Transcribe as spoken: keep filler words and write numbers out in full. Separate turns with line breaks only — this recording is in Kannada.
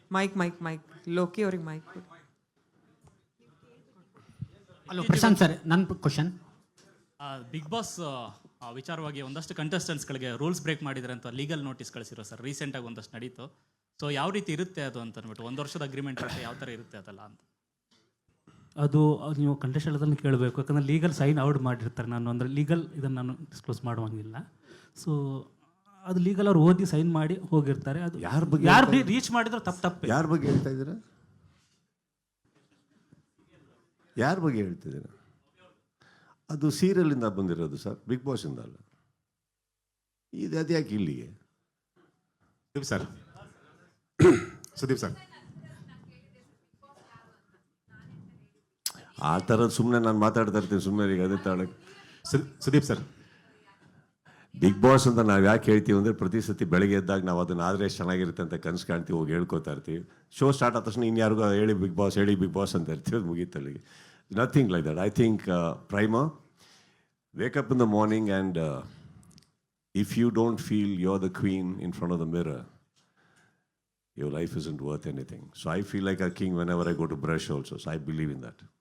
ಮೈಕ್ ಮೈಕ್ ಮೈಕ್ ಲೋಕಿ ಅವ್ರಿಗೆ ಮೈಕ್.
ಹಲೋ ಪ್ರಶಾಂತ್ ಸರ್, ನನ್ನ ಕ್ವಶನ್.
ಬಿಗ್ ಬಾಸ್ ವಿಚಾರವಾಗಿ ಒಂದಷ್ಟು ಕಂಟೆಸ್ಟೆಂಟ್ಸ್ಗಳಿಗೆ ರೂಲ್ಸ್ ಬ್ರೇಕ್ ಮಾಡಿದ್ರೆ ಅಂತ ಲೀಗಲ್ ನೋಟಿಸ್ ಕಳಿಸಿರೋ ಸರ್, ರೀಸೆಂಟಾಗಿ ಒಂದಷ್ಟು ನಡೀತು. ಸೊ ಯಾವ ರೀತಿ ಇರುತ್ತೆ ಅದು ಅಂತ ಅಂದ್ಬಿಟ್ಟು, ಒಂದು ವರ್ಷದ ಅಗ್ರಿಮೆಂಟ್ ಇರುತ್ತೆ, ಯಾವ ಥರ ಇರುತ್ತೆ ಅದಲ್ಲ ಅಂತ.
ಅದು ನೀವು ಕಂಟೆಸ್ಟೆಂಟ್ದಲ್ಲಿ ಕೇಳಬೇಕು, ಯಾಕಂದರೆ ಲೀಗಲ್ ಸೈನ್ ಔಟ್ ಮಾಡಿರ್ತಾರೆ. ನಾನು ಅಂದರೆ ಲೀಗಲ್ ಇದನ್ನು ನಾನು ಡಿಸ್ಕ್ಲೋಸ್ ಮಾಡುವಂಗಿಲ್ಲ. ಸೊ ಅದು ಲೀಗಲ್ ಅವ್ರು ಓದಿ ಸೈನ್ ಮಾಡಿ ಹೋಗಿರ್ತಾರೆ. ಅದು
ಯಾರ ಬಗ್ಗೆ
ಯಾರು ರೀಚ್ ಮಾಡಿದ್ರು ತಪ್ಪು ತಪ್ಪು.
ಯಾರ ಬಗ್ಗೆ ಹೇಳ್ತಾ ಇದ್ದೀರಾ? ಯಾರ ಬಗ್ಗೆ ಹೇಳ್ತಿದ್ದೀರಾ? ಅದು ಸೀರಿಯಲಿಂದ ಬಂದಿರೋದು ಸರ್, ಬಿಗ್ ಬಾಸಿಂದ ಅಲ್ಲ. ಇದು ಅದ್ಯಾಕೆ ಇಲ್ಲಿಗೆ?
ಸುದೀಪ್ ಸರ್, ಸುದೀಪ್ ಸರ್,
ಆ ಥರದ್ದು ಸುಮ್ಮನೆ ನಾನು ಮಾತಾಡ್ತಾ ಇರ್ತೀನಿ ಸುಮ್ಮನೆ. ಈಗ ಅದೇ ತಾಳಕ್ಕೆ
ಸುದೀಪ್ ಸರ್,
ಬಿಗ್ ಬಾಸ್ ಅಂತ ನಾವು ಯಾಕೆ ಹೇಳ್ತೀವಿ ಅಂದರೆ, ಪ್ರತಿ ಸತಿ ಬೆಳಗ್ಗೆ ಎದ್ದಾಗ ನಾವು ಅದನ್ನ ಆದರೆ ಎಷ್ಟು ಚೆನ್ನಾಗಿರುತ್ತೆ ಅಂತ ಕನಸು ಕಾಣ್ತೀವಿ, ಹೋಗಿ ಹೇಳ್ಕೊತಾ ಇರ್ತೀವಿ. ಶೋ ಸ್ಟಾರ್ಟ್ ಆದ ತಕ್ಷಣ ಇನ್ನು ಯಾರಿಗೂ ಹೇಳಿ ಬಿಗ್ ಬಾಸ್ ಹೇಳಿ ಬಿಗ್ ಬಾಸ್ ಅಂತ ಇರ್ತೀವಿ, ಅದು ಮುಗೀತಲ್ಲಿಗೆ. Nothing like that. I think primer, wake up in the morning and uh, if you don't feel you're the queen in front of the mirror, your life isn't worth anything. So I feel like a king whenever I go to brush also. So I believe in that.